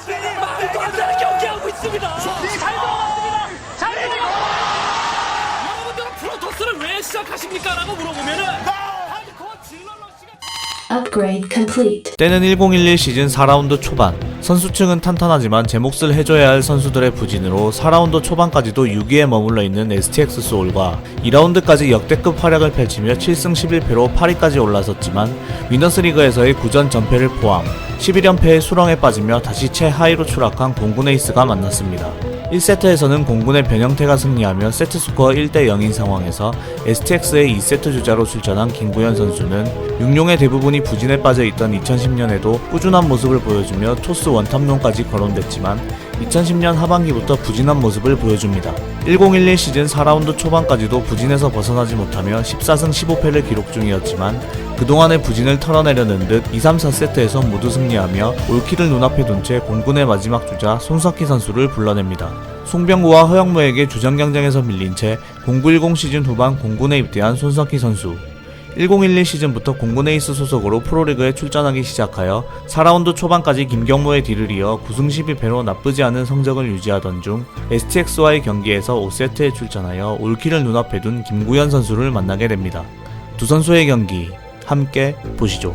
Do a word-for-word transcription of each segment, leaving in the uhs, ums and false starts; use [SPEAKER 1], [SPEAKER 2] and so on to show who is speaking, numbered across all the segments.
[SPEAKER 1] 말도 안 되는 경기하고 있습니다. 잘 들어갔습니다. 잘 들어갔습니다. 여러분들은 프로토스를 왜 시작하십니까? 라고 물어보면은 하드코어 질러러시가
[SPEAKER 2] Upgrade complete.
[SPEAKER 3] 때는 천십일 시즌 사 라운드 초반. 선수층은 탄탄하지만 제 몫을 해줘야 할 선수들의 부진으로 사 라운드 초반까지도 육 위에 머물러 있는 에스티엑스 소울과 이 라운드까지 역대급 활약을 펼치며 칠 승 십일 패로 팔 위까지 올라섰지만 위너스리그에서의 구 전 전패를 포함 십일 연패의 수렁에 빠지며 다시 최하위로 추락한 공군 에이스가 만났습니다. 일 세트에서는 공군의 변형태가 승리하며 세트스코어 일 대 영인 상황에서 에스티엑스의 이 세트 주자로 출전한 김구현 선수는 육룡의 대부분이 부진에 빠져있던 이천십 년에도 꾸준한 모습을 보여주며 토스 원탑론까지 거론됐지만 이천십 년 하반기부터 부진한 모습을 보여줍니다. 천십일 시즌 사 라운드 초반까지도 부진에서 벗어나지 못하며 십사 승 십오 패를 기록 중이었지만 그동안의 부진을 털어내려는 듯 이, 삼, 사 세트에서 모두 승리하며 올킬을 눈앞에 둔 채 공군의 마지막 주자 손석희 선수를 불러냅니다. 송병구와 허영무에게 주전 경쟁에서 밀린 채 공구십 시즌 후반 공군에 입대한 손석희 선수. 천십일 시즌부터 공군 에이스 소속으로 프로리그에 출전하기 시작하여 사 라운드 초반까지 김경모의 뒤를 이어 구 승 십이 패로 나쁘지 않은 성적을 유지하던 중 에스티엑스와의 경기에서 오 세트에 출전하여 올킬을 눈앞에 둔 김구현 선수를 만나게 됩니다. 두 선수의 경기 함께 보시죠.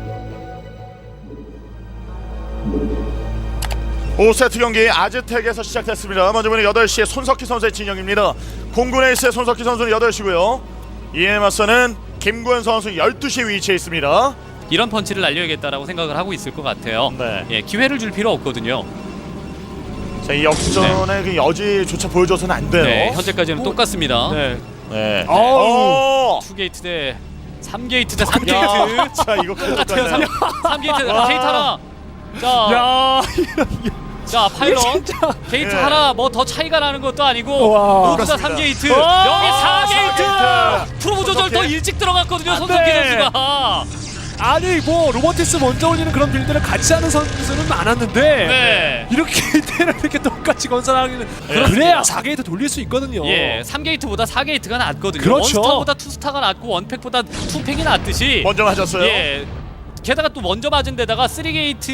[SPEAKER 4] 오 세트 경기 아즈텍에서 시작됐습니다. 먼저 보는 여덟 시에 손석희 선수의 진영입니다. 공군 에이스의 손석희 선수는 여덟 시고요. 이에 맞서는 김구현 선수 열두 시에 위치해 있습니다.
[SPEAKER 1] 이런 펀치를 날려야겠다라고 생각을 하고 있을 것 같아요.
[SPEAKER 4] 네.
[SPEAKER 1] 예, 기회를 줄 필요 없거든요.
[SPEAKER 4] 자, 이 역전의 그 여지조차 보여줘서는 안 돼요.
[SPEAKER 1] 네, 현재까지는 똑같습니다.
[SPEAKER 5] 네.
[SPEAKER 4] 네.
[SPEAKER 5] 어우.
[SPEAKER 4] 오!
[SPEAKER 1] 투 게이트 대 삼 게이트 대 삼
[SPEAKER 4] 야,
[SPEAKER 1] 게이트.
[SPEAKER 4] 자, 이거
[SPEAKER 1] 똑같아요. 삼,
[SPEAKER 4] 똑같네.
[SPEAKER 1] 삼 게이트
[SPEAKER 4] 와.
[SPEAKER 1] 게이트 하나. 자,
[SPEAKER 5] 야.
[SPEAKER 1] 자 파일럿
[SPEAKER 5] 진짜.
[SPEAKER 1] 게이트
[SPEAKER 4] 예.
[SPEAKER 1] 하나 뭐 더 차이가 나는 것도 아니고
[SPEAKER 5] 와.
[SPEAKER 1] 모두 다
[SPEAKER 4] 그렇습니다.
[SPEAKER 1] 삼 게이트.
[SPEAKER 5] 와.
[SPEAKER 1] 여기 사 게이트.
[SPEAKER 4] 사 게이트.
[SPEAKER 1] 프로브 조절 더
[SPEAKER 4] 손석희.
[SPEAKER 1] 일찍 들어갔거든요.
[SPEAKER 5] 안
[SPEAKER 1] 손석희
[SPEAKER 5] 돼.
[SPEAKER 1] 선수가.
[SPEAKER 5] 아니 뭐 로보티스 먼저 올리는 그런 빌드를 같이 하는 선수는 많았는데
[SPEAKER 1] 네.
[SPEAKER 5] 이렇게 테를 이렇게 똑같이 건설하기는 그래야 사 게이트 돌릴 수 있거든요.
[SPEAKER 1] 예, 삼 게이트보다 사 게이트가 낫거든요.
[SPEAKER 5] 그렇죠.
[SPEAKER 1] 원스타보다 투스타가 낫고 원팩보다 투팩이 낫듯이.
[SPEAKER 4] 먼저 맞았어요.
[SPEAKER 1] 예. 게다가 또 먼저 맞은 데다가 삼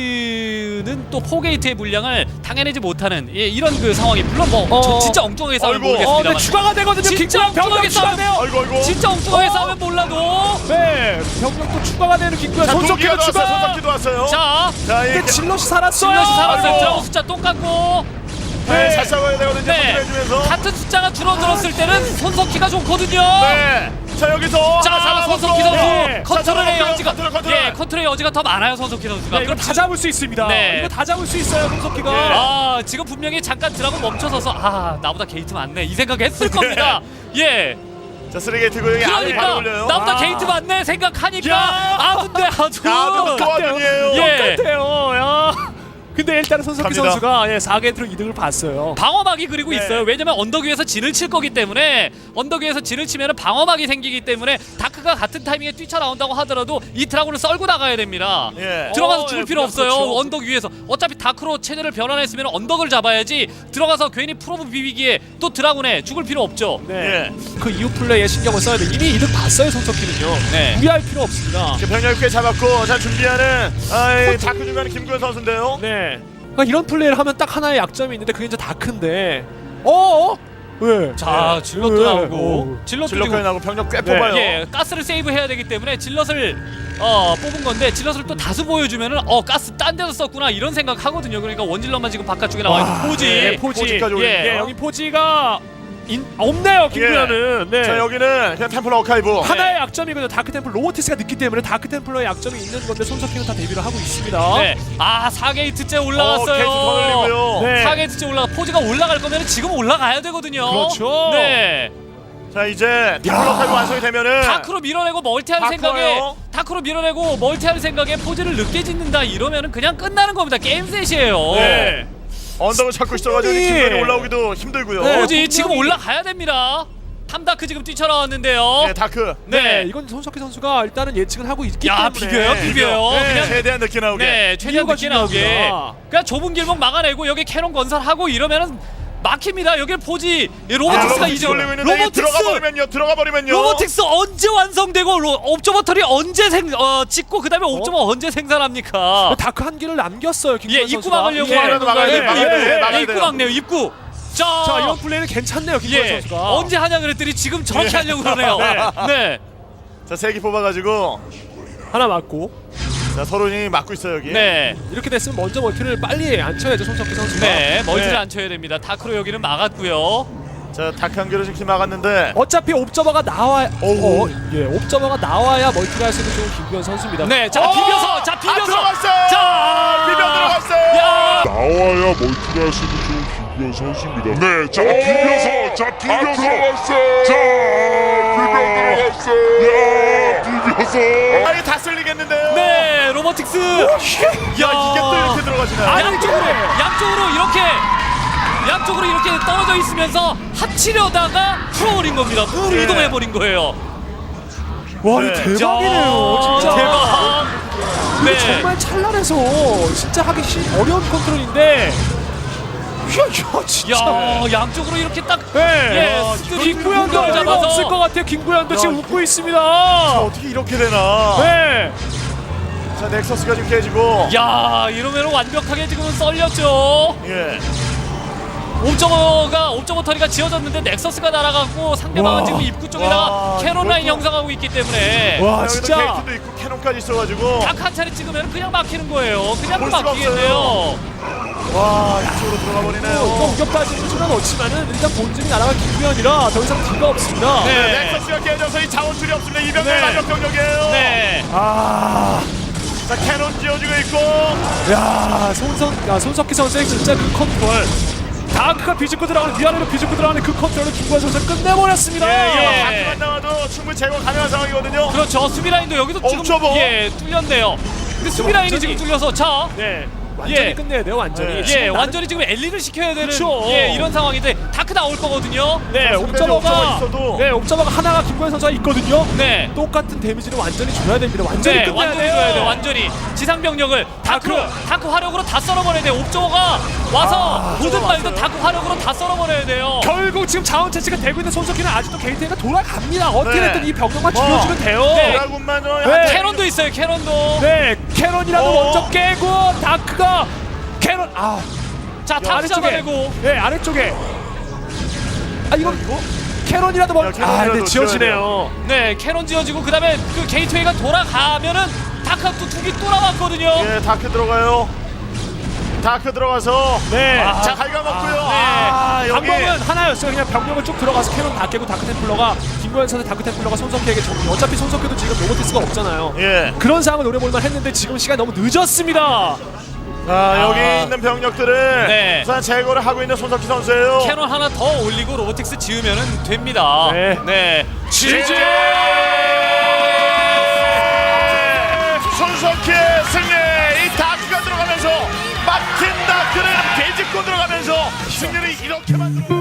[SPEAKER 1] 게이트는 또 사 게이트의 물량을 당해내지 못하는 예, 이런 그 상황이 물론 뭐
[SPEAKER 5] 어.
[SPEAKER 1] 저 진짜 엉뚱하게 싸우면
[SPEAKER 4] 아이고.
[SPEAKER 5] 어,
[SPEAKER 1] 모르겠습니다만
[SPEAKER 5] 근데 추가가 되거든요.
[SPEAKER 1] 진짜
[SPEAKER 5] 김구현 병력
[SPEAKER 1] 엉뚱하게
[SPEAKER 5] 추가돼요.
[SPEAKER 4] 아이고 아이고.
[SPEAKER 1] 진짜 엉뚱하게
[SPEAKER 5] 어.
[SPEAKER 1] 싸우면 몰라도
[SPEAKER 5] 네, 병력도 추가가 되는 김구현
[SPEAKER 4] 자,
[SPEAKER 5] 손석희도
[SPEAKER 4] 손석희도 왔어요.
[SPEAKER 5] 추가.
[SPEAKER 4] 손석희도 왔어요.
[SPEAKER 1] 자
[SPEAKER 4] 자,
[SPEAKER 5] 근데
[SPEAKER 4] 이게
[SPEAKER 5] 질럿이 살았어요.
[SPEAKER 1] 질럿이 살았어요.
[SPEAKER 4] 아이고.
[SPEAKER 1] 자, 숫자 똑같고
[SPEAKER 4] 네, 잘 싸워야 되거든요.
[SPEAKER 1] 네.
[SPEAKER 4] 해주면서.
[SPEAKER 1] 같은 숫자가 줄어들었을 때는 손석희가 좋거든요.
[SPEAKER 4] 네. 자, 여기서
[SPEAKER 1] 자,
[SPEAKER 4] 하나 잡아먹고.
[SPEAKER 1] 손석희 선수
[SPEAKER 4] 네. 자,
[SPEAKER 1] 컨트롤의
[SPEAKER 4] 잡아먹고요.
[SPEAKER 1] 여지가
[SPEAKER 4] 컨트롤, 컨트롤.
[SPEAKER 1] 예, 컨트롤의 여지가 더 많아요, 손석희 선수가.
[SPEAKER 5] 네, 이거
[SPEAKER 1] 그럼
[SPEAKER 5] 다 잡을 수 있습니다.
[SPEAKER 1] 네.
[SPEAKER 5] 이거 다 잡을 수 있어요, 손석희가.
[SPEAKER 1] 아, 지금 분명히 잠깐 드라고 멈춰서서 아, 나보다 게이트 많네 이 생각했을 겁니다. 예.
[SPEAKER 4] 자, 쓰리게이트고 여기 안에 바로
[SPEAKER 1] 그러니까
[SPEAKER 4] 올려요.
[SPEAKER 1] 나보다
[SPEAKER 5] 아.
[SPEAKER 1] 게이트 많네 생각하니까
[SPEAKER 4] 야.
[SPEAKER 1] 아픈데 아주
[SPEAKER 4] 아, 똑같아요.
[SPEAKER 1] 예.
[SPEAKER 5] 똑같아요. 야. 근데 일단은 손석희
[SPEAKER 4] 갑니다.
[SPEAKER 5] 선수가 예, 사 게이트로 이득을 봤어요.
[SPEAKER 1] 방어막이 그리고
[SPEAKER 4] 네.
[SPEAKER 1] 있어요. 왜냐면 언덕 위에서 진을 칠 거기 때문에 언덕 위에서 진을 치면 방어막이 생기기 때문에 다크가 같은 타이밍에 뛰쳐나온다고 하더라도 이 드라군을 썰고 나가야 됩니다.
[SPEAKER 4] 예.
[SPEAKER 1] 들어가서
[SPEAKER 5] 어,
[SPEAKER 1] 죽을
[SPEAKER 5] 예,
[SPEAKER 1] 필요 없어요.
[SPEAKER 5] 그렇죠.
[SPEAKER 1] 언덕 위에서 어차피 다크로 체제를 변환했으면 언덕을 잡아야지 들어가서 괜히 프로브 비비기에 또 드라군에 죽을 필요 없죠.
[SPEAKER 5] 네.
[SPEAKER 4] 예.
[SPEAKER 5] 그 이후 플레이에 신경을 써야 돼. 이미 이득 봤어요, 손석희는요.
[SPEAKER 1] 네.
[SPEAKER 5] 무리할 필요 없습니다.
[SPEAKER 4] 지금 병력 꽤 잡았고 자 준비하는 아이 다크 준비하는 김구현 선수인데요.
[SPEAKER 5] 네. 그러니까 이런 플레이를 하면 딱 하나의 약점이 있는데 그게 이제 다크인데. 어? 왜?
[SPEAKER 1] 자,
[SPEAKER 4] 네.
[SPEAKER 1] 질럿도
[SPEAKER 5] 네.
[SPEAKER 1] 나오고
[SPEAKER 5] 어.
[SPEAKER 1] 질럿도
[SPEAKER 4] 질럿까지
[SPEAKER 1] 지금
[SPEAKER 4] 나고 병력 꽤
[SPEAKER 5] 네.
[SPEAKER 4] 뽑아요.
[SPEAKER 1] 예, 가스를 세이브해야 되기 때문에 질럿을 어, 뽑은 건데 질럿을 또 다수 보여주면은 어 가스 딴 데서 썼구나 이런 생각 하거든요. 그러니까 원질럿만 지금 바깥쪽에 나와 있는
[SPEAKER 5] 와,
[SPEAKER 1] 포지.
[SPEAKER 5] 네, 포지.
[SPEAKER 4] 포지까지
[SPEAKER 1] 예,
[SPEAKER 4] 올리네요.
[SPEAKER 5] 예, 여기 포지가 인, 없네요, 김구현은. 네.
[SPEAKER 4] 자 여기는 그냥 템플 어카이브.
[SPEAKER 5] 하나의 약점이거든요. 다크템플 로보티스가 늦기 때문에 다크템플러의 약점이 있는 건데 손석희는 다 대비를 하고 있습니다.
[SPEAKER 1] 네. 아, 사 게이트째
[SPEAKER 4] 어,
[SPEAKER 1] 올라갔어요.
[SPEAKER 4] 게이트 더 늘리고요.
[SPEAKER 5] 네.
[SPEAKER 1] 사 게이트째 올라가 포지가 올라갈 거면 지금 올라가야 되거든요.
[SPEAKER 5] 그렇죠.
[SPEAKER 1] 네.
[SPEAKER 4] 자 이제 템플 어카이브 완성이 되면은
[SPEAKER 1] 다크로 밀어내고 멀티할
[SPEAKER 4] 다크
[SPEAKER 1] 생각에
[SPEAKER 4] 와요.
[SPEAKER 1] 다크로 밀어내고 멀티할 생각에 포지를 늦게 짓는다 이러면은 그냥 끝나는 겁니다. 게임 셋이에요.
[SPEAKER 4] 네. 언덕을 찾고 있어가지고
[SPEAKER 5] 분명히-
[SPEAKER 4] 김구현이 올라오기도 힘들고요.
[SPEAKER 5] 네.
[SPEAKER 1] 포지
[SPEAKER 5] 분명히-
[SPEAKER 1] 지금 올라가야 됩니다. 탐다크 지금 뛰쳐나왔는데요.
[SPEAKER 4] 네 다크.
[SPEAKER 5] 네,
[SPEAKER 1] 네.
[SPEAKER 5] 이건 손석희 선수가 일단은 예측을 하고 있기
[SPEAKER 1] 야,
[SPEAKER 5] 때문에
[SPEAKER 1] 비벼요, 비벼요.
[SPEAKER 4] 네.
[SPEAKER 1] 그냥
[SPEAKER 4] 최대한 늦게 나오게.
[SPEAKER 1] 네, 최대한
[SPEAKER 5] 이유가
[SPEAKER 1] 늦게 나오게.
[SPEAKER 5] 중요합니다.
[SPEAKER 1] 그냥 좁은 길목 막아내고 여기 캐논 건설하고 이러면은 막힙니다. 여기 포지 로보틱스가
[SPEAKER 4] 아,
[SPEAKER 1] 이제
[SPEAKER 4] 올리고 있는데
[SPEAKER 1] 로보틱스
[SPEAKER 4] 들어가 버리면요. 들어가 버리면요.
[SPEAKER 1] 로보틱스 언제 완성되고 로, 옵저버터리 언제 생 어, 찍고 그다음에 옵저버 언제 생산합니까?
[SPEAKER 5] 다크 한 기를 남겼어요.
[SPEAKER 1] 예,
[SPEAKER 5] 김구현
[SPEAKER 1] 입구
[SPEAKER 5] 선수가.
[SPEAKER 1] 막으려고
[SPEAKER 5] 예.
[SPEAKER 1] 하는
[SPEAKER 4] 막아야
[SPEAKER 1] 건가요?
[SPEAKER 4] 돼,
[SPEAKER 1] 입구,
[SPEAKER 4] 막아야 돼,
[SPEAKER 1] 입구,
[SPEAKER 4] 막아야
[SPEAKER 1] 입구
[SPEAKER 4] 돼요.
[SPEAKER 1] 막네요. 입구. 자,
[SPEAKER 5] 자, 이런 플레이는 괜찮네요. 김구현
[SPEAKER 1] 예,
[SPEAKER 5] 선수가.
[SPEAKER 1] 언제 하냐 그랬더니 지금 저렇게 하려고 그러네요. 네,
[SPEAKER 4] 자, 세기 뽑아가지고
[SPEAKER 5] 하나 맞고.
[SPEAKER 4] 자, 서른이 막고 있어요 여기.
[SPEAKER 1] 네,
[SPEAKER 5] 이렇게 됐으면 먼저 멀티를 빨리 안 쳐야죠. 손석희 선수가.
[SPEAKER 1] 네, 멀티를
[SPEAKER 5] 네.
[SPEAKER 1] 안 쳐야 됩니다. 다크로 여기는 막았고요.
[SPEAKER 4] 자, 닭한 개를 지금 막았는데.
[SPEAKER 5] 어차피 옵저버가 나와야
[SPEAKER 4] 어우.
[SPEAKER 5] 어, 예, 옵저버가 나와야 멀티를 할 수 있는 좋은 김구현 선수입니다.
[SPEAKER 1] 네, 자
[SPEAKER 4] 어!
[SPEAKER 1] 비벼서, 자
[SPEAKER 4] 아,
[SPEAKER 1] 비벼서,
[SPEAKER 4] 들어갔어요.
[SPEAKER 1] 자
[SPEAKER 4] 비벼 들어갔어요.
[SPEAKER 1] 야,
[SPEAKER 6] 나와야 멀티를 할 수 있는 좋은 김구현 선수입니다. 네, 자 비벼서, 자 비벼서, 자 비벼 들어갔어요. 야 비벼서.
[SPEAKER 4] 아, 이거 다 쓸리겠는데요.
[SPEAKER 1] 네, 로보틱스. 야,
[SPEAKER 4] 야, 이게 또 이렇게 들어가지나요?
[SPEAKER 5] 아니,
[SPEAKER 1] 양쪽으로, 양쪽으로 이렇게, 양쪽으로 이렇게 떨어져 있으면서 합치려다가 풀어버린 겁니다. 무로
[SPEAKER 4] 네.
[SPEAKER 1] 이동해버린 거예요.
[SPEAKER 5] 와,
[SPEAKER 4] 네.
[SPEAKER 5] 이거 대박이네요. 진짜.
[SPEAKER 1] 대박.
[SPEAKER 5] 이게
[SPEAKER 1] 네.
[SPEAKER 5] 정말 찰나해서 진짜 하기 쉬, 어려운 컨트롤인데. 야, 진짜.
[SPEAKER 1] 야, 양쪽으로 이렇게 딱.
[SPEAKER 5] 네.
[SPEAKER 1] 예, 스크린
[SPEAKER 5] 김구현도
[SPEAKER 1] 공격을
[SPEAKER 5] 얼마
[SPEAKER 1] 잡아서.
[SPEAKER 5] 없을 것 같아요. 김구현도
[SPEAKER 4] 야,
[SPEAKER 5] 지금
[SPEAKER 4] 이거-
[SPEAKER 5] 웃고 있습니다.
[SPEAKER 4] 어떻게 이렇게 되나?
[SPEAKER 5] 네.
[SPEAKER 4] 자, 넥서스가 지금 깨지고.
[SPEAKER 1] 야, 이러면 완벽하게 지금은 썰렸죠.
[SPEAKER 4] 예.
[SPEAKER 1] 옵저버가 옵저버 터리가 지어졌는데 넥서스가 날아가고 상대방은
[SPEAKER 5] 와.
[SPEAKER 1] 지금 입구 쪽에다가
[SPEAKER 4] 와,
[SPEAKER 1] 캐논 라인
[SPEAKER 4] 이것도-
[SPEAKER 1] 형성하고 있기 때문에
[SPEAKER 5] 와,
[SPEAKER 4] 여기도
[SPEAKER 5] 진짜.
[SPEAKER 4] 게이트도 있고 캐논까지 있어가지고.
[SPEAKER 1] 딱 한 차례 찍으면 그냥 막히는 거예요. 그냥
[SPEAKER 4] 볼 수가
[SPEAKER 1] 막히겠네요.
[SPEAKER 4] 와, 이쪽으로 들어가
[SPEAKER 5] 또
[SPEAKER 4] 버리네요.
[SPEAKER 5] 공격까지는 수는 없지만은 일단 본진이 날아간 김구현이라 더 이상 기가 없습니다.
[SPEAKER 1] 네.
[SPEAKER 4] 넥서스가 깨져서 이 자원줄이 없습니다. 이병렬
[SPEAKER 5] 네.
[SPEAKER 4] 마력 병력이에요.
[SPEAKER 1] 네.
[SPEAKER 5] 아,
[SPEAKER 4] 자, 캐논 지어주고 있고.
[SPEAKER 5] 야, 손석, 야, 손석희 선수의 진짜 그 컨트롤. 다크가 비집고 들어가는 위아래로 비집고 들어가는 그 컨트롤을 김구현 선수가 끝내버렸습니다.
[SPEAKER 1] 예.
[SPEAKER 4] 예, 다크만 나와도 충분히 제거 가능한 상황이거든요.
[SPEAKER 1] 그렇죠. 수비 라인도 여기도 지금
[SPEAKER 4] 옵저버.
[SPEAKER 1] 예 뚫렸네요. 근데 수비 라인이
[SPEAKER 5] 완전히-
[SPEAKER 1] 지금 뚫려서 자.
[SPEAKER 5] 네, 완전히
[SPEAKER 1] 예.
[SPEAKER 5] 끝내야 돼요, 완전히.
[SPEAKER 4] 네.
[SPEAKER 5] 지금
[SPEAKER 1] 예,
[SPEAKER 5] 나는-
[SPEAKER 1] 완전히 지금 엘리를 시켜야 되는
[SPEAKER 5] 그쵸.
[SPEAKER 1] 예, 이런 상황인데 다크 나올 거거든요.
[SPEAKER 5] 네,
[SPEAKER 4] 옵저버가
[SPEAKER 5] 옵저버가
[SPEAKER 4] 있어도.
[SPEAKER 5] 네, 옵저버가 하나가 김구현 선수가 있거든요.
[SPEAKER 1] 네.
[SPEAKER 5] 똑같은 데미지를 완전히 줘야 됩니다. 완전히
[SPEAKER 1] 네,
[SPEAKER 5] 끝내야
[SPEAKER 1] 완전히
[SPEAKER 5] 돼요.
[SPEAKER 1] 줘야 돼. 완전히 지상 병력을 다크 다크 화력으로 다 썰어버려야 돼. 옵저버가 와서 보든 말든 다크 화력으로 다 썰어버려야 돼요.
[SPEAKER 5] 결국 지금 자원 채취가 되고 있는 손석희는 아직도 게이트가 돌아갑니다. 어떻게
[SPEAKER 4] 네.
[SPEAKER 5] 됐든 이 병력만
[SPEAKER 4] 어.
[SPEAKER 5] 줄여주면 돼요.
[SPEAKER 1] 네.
[SPEAKER 4] 드라군만 좀
[SPEAKER 5] 네.
[SPEAKER 4] 한
[SPEAKER 1] 캐논도 있어요. 캐논도.
[SPEAKER 5] 네, 캐런이라도
[SPEAKER 4] 어.
[SPEAKER 5] 먼저 깨고 다크가 캐런 아
[SPEAKER 1] 자, 다크
[SPEAKER 5] 아래쪽에
[SPEAKER 1] 잡아내고.
[SPEAKER 5] 네 아래쪽에 아 이거 캐런이라도
[SPEAKER 4] 야,
[SPEAKER 5] 먼저
[SPEAKER 4] 캐런이라도
[SPEAKER 5] 아 근데 지어지네요.
[SPEAKER 1] 네, 캐논 지어지고 그다음에 그 게이트웨이가 돌아가면은 다크가 또 두 개 또 남았거든요.
[SPEAKER 4] 예, 다크 들어가요. 다크 들어가서.
[SPEAKER 5] 네.
[SPEAKER 4] 아, 자, 갉아먹고요.
[SPEAKER 1] 네.
[SPEAKER 4] 아, 여기.
[SPEAKER 5] 방법은 하나였어요. 그냥 병력을 쭉 들어가서 캐논 다 깨고 다크 템플러가 김구현 선수 다크 템플러가 손석희에게 정리. 어차피 손석희도 지금 로보티스가 없잖아요.
[SPEAKER 4] 예.
[SPEAKER 5] 그런 상황을 노려볼만 했는데 지금 시간이 너무 늦었습니다.
[SPEAKER 4] 자, 여기
[SPEAKER 1] 아.
[SPEAKER 4] 있는 병력들을
[SPEAKER 1] 네.
[SPEAKER 4] 우선 제거를 하고 있는 손석희 선수예요.
[SPEAKER 1] 캐논 하나 더 올리고 로보틱스 지으면은 됩니다.
[SPEAKER 5] 네.
[SPEAKER 1] 네.
[SPEAKER 4] 지지! 손석희의 승리! 이 다크가 들어가면서 막힌 다크를 되짚고 들어가면서 승리를 이렇게 만들어